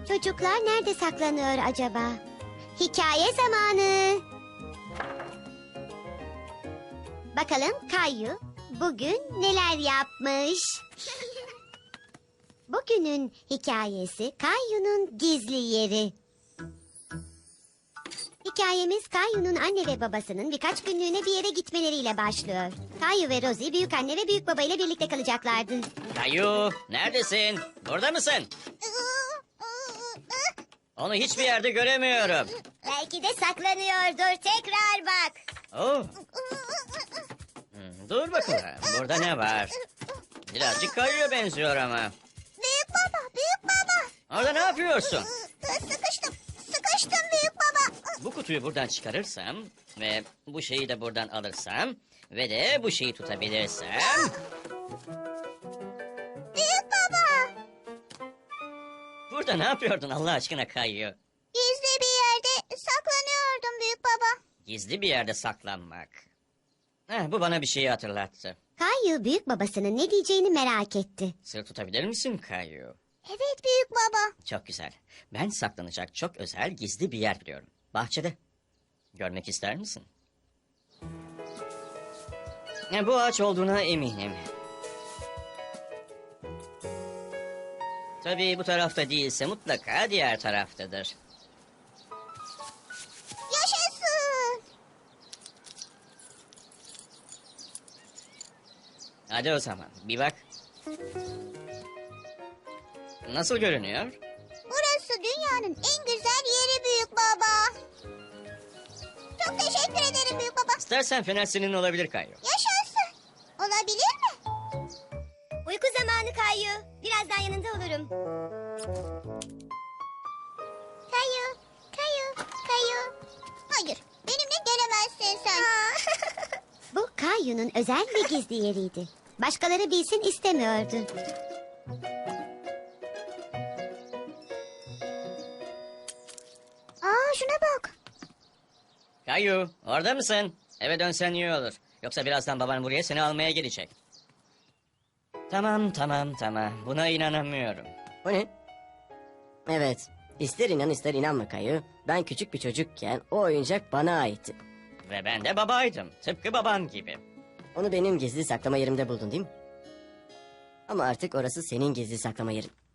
Çocuklar nerede saklanıyor acaba? Hikaye zamanı. Bakalım Kayu bugün neler yapmış? Bugünün hikayesi Kayu'nun gizli yeri. Hikayemiz Kayu'nun anne ve babasının birkaç günlüğüne bir yere gitmeleriyle başlıyor. Kayu ve Rosie büyük anne ve büyük baba ile birlikte kalacaklardı. Kayu, neredesin? Burada mısın? Onu hiçbir yerde göremiyorum. Belki de saklanıyordur. Tekrar bak. Oh. Dur bakalım. Burada ne var? Birazcık Kayu'ya benziyor ama. Büyük baba, büyük baba. Orada ne yapıyorsun? Sıkıştım büyük baba. Bu kutuyu buradan çıkarırsam ve bu şeyi de buradan alırsam ve de bu şeyi tutabilirsem... Büyük baba. Burada ne yapıyordun Allah aşkına Kayu? Gizli bir yerde saklanıyordum büyük baba. Gizli bir yerde saklanmak. Bu bana bir şeyi hatırlattı. Kayu büyük babasının ne diyeceğini merak etti. Sır tutabilir misin Kayu? Evet büyük baba. Çok güzel. Ben saklanacak çok özel gizli bir yer biliyorum. Bahçede. Görmek ister misin? Bu ağaç olduğuna eminim. Tabii bu tarafta değilse mutlaka diğer taraftadır. Yaşasın. Hadi o zaman bir bak. Nasıl görünüyor? Burası dünyanın en güzel yeri büyük baba. Çok teşekkür ederim büyük baba. İstersen fener senin olabilir Kayu. Yaşasın. Olabilir mi? Uyku zamanı Kayu. Birazdan yanında olurum. Kayu, Kayu, Kayu. Hayır, benimle gelemezsin sen. Bu Kayu'nun özel ve gizli yeriydi. Başkaları bilsin istemiyordu. Şuna bak. Kayu orada mısın? Eve dönsen iyi olur. Yoksa birazdan baban buraya seni almaya gelecek. Tamam. Buna inanamıyorum. O ne? Evet. İster inan ister inanma Kayu. Ben küçük bir çocukken o oyuncak bana aitti. Ve ben de babaydım. Tıpkı baban gibi. Onu benim gizli saklama yerimde buldun değil mi? Ama artık orası senin gizli saklama yerin.